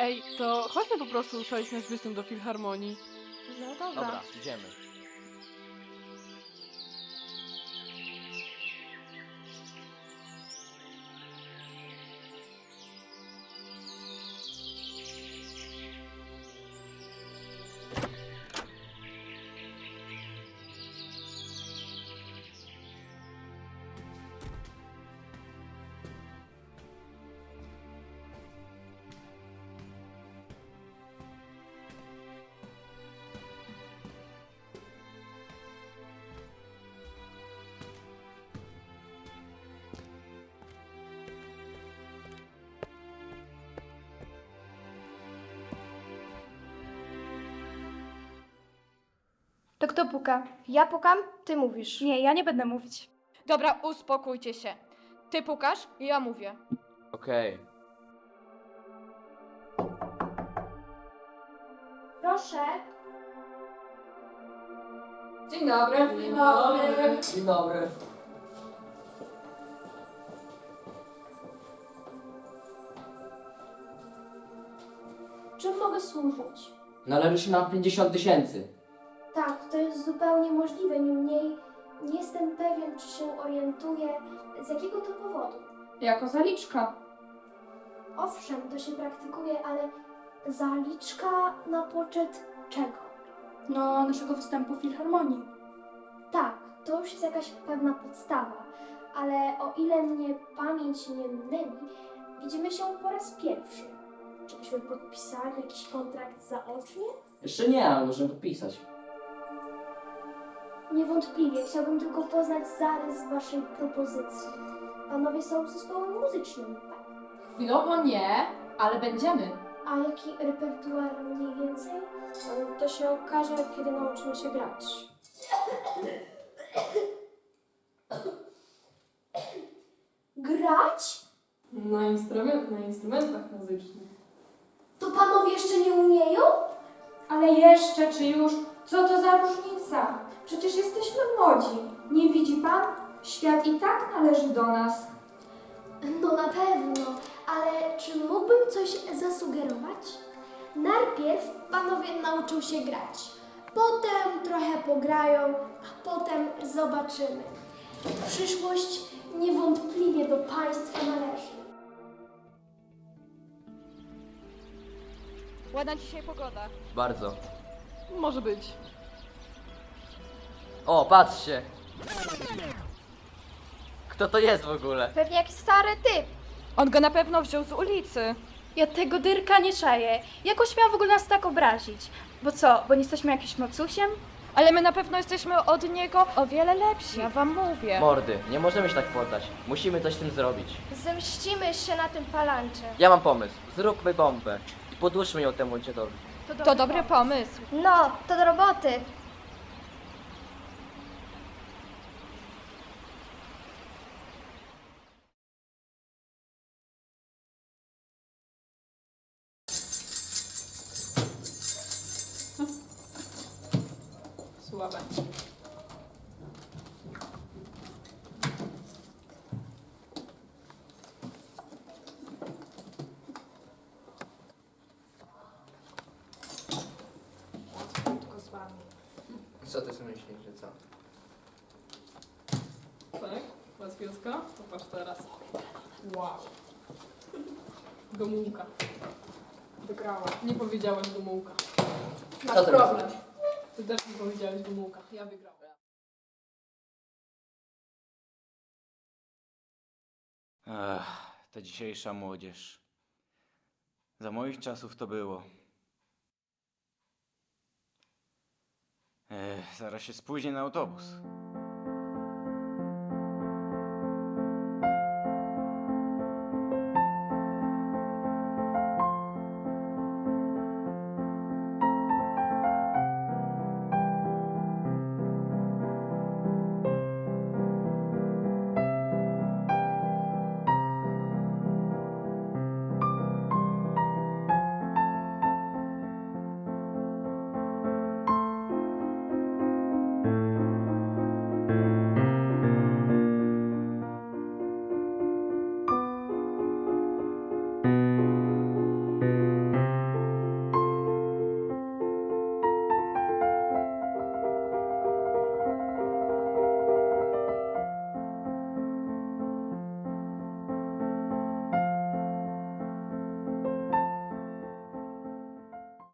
Ej, to chodźmy po prostu ustalić nasz występ do Filharmonii. No dobra. Dobra, idziemy. To kto puka? Ja pukam, ty mówisz. Nie, ja nie będę mówić. Dobra, uspokójcie się. Ty pukasz, ja mówię. Okej. Proszę. Dzień dobry. Dzień dobry. Czym mogę służyć? Należy się nam 50 000. Tak, to jest zupełnie możliwe. Niemniej nie jestem pewien, czy się orientuję, z jakiego to powodu. Jako zaliczka. Owszem, to się praktykuje, ale zaliczka na poczet czego? No, naszego występu w Filharmonii. Tak, to już jest jakaś pewna podstawa, ale o ile mnie pamięć nie myli, widzimy się po raz pierwszy. Czy byśmy podpisali jakiś kontrakt zaocznie? Jeszcze nie, ale możemy podpisać. Niewątpliwie, chciałbym tylko poznać zarys waszej propozycji. Panowie są zespołem muzycznym, tak? Chwilowo nie, ale będziemy. A jaki repertuar mniej więcej? To się okaże, kiedy nauczymy się grać. Grać? Na instrumentach muzycznych. To panowie jeszcze nie umieją? Ale jeszcze czy już? Co to za różnica? Przecież jesteśmy młodzi. Nie widzi pan? Świat i tak należy do nas. No na pewno, ale czy mógłbym coś zasugerować? Najpierw panowie nauczą się grać, potem trochę pograją, a potem zobaczymy. Przyszłość niewątpliwie do państwa należy. Ładna dzisiaj pogoda. Bardzo. Może być. O, patrzcie. Kto to jest w ogóle? Pewnie jakiś stary typ. On go na pewno wziął z ulicy. Ja tego Dyrka nie czaję. Jak śmiał w ogóle nas tak obrazić? Bo co, bo nie jesteśmy jakimś mocusiem? Ale my na pewno jesteśmy od niego o wiele lepsi. Ja wam mówię. Mordy, nie możemy się tak poddać. Musimy coś z tym zrobić. Zemścimy się na tym palancze. Ja mam pomysł. Zróbmy bombę i podłóżmy ją temu dziadowi. To dobry pomysł. No, to do roboty. Słabe. Tylko z wami. Co ty sobie myślisz, że co? Tak? Łatwiejsko? Popatrz teraz. Wow. Gomułka. Wygrała. Nie powiedziałaś Gomułka. Co Masz ty problem. Ty też nie powiedziałeś Gomułka. Ja wygrałam. Ta dzisiejsza młodzież. Za moich czasów to było. Zaraz się spóźnię na autobus.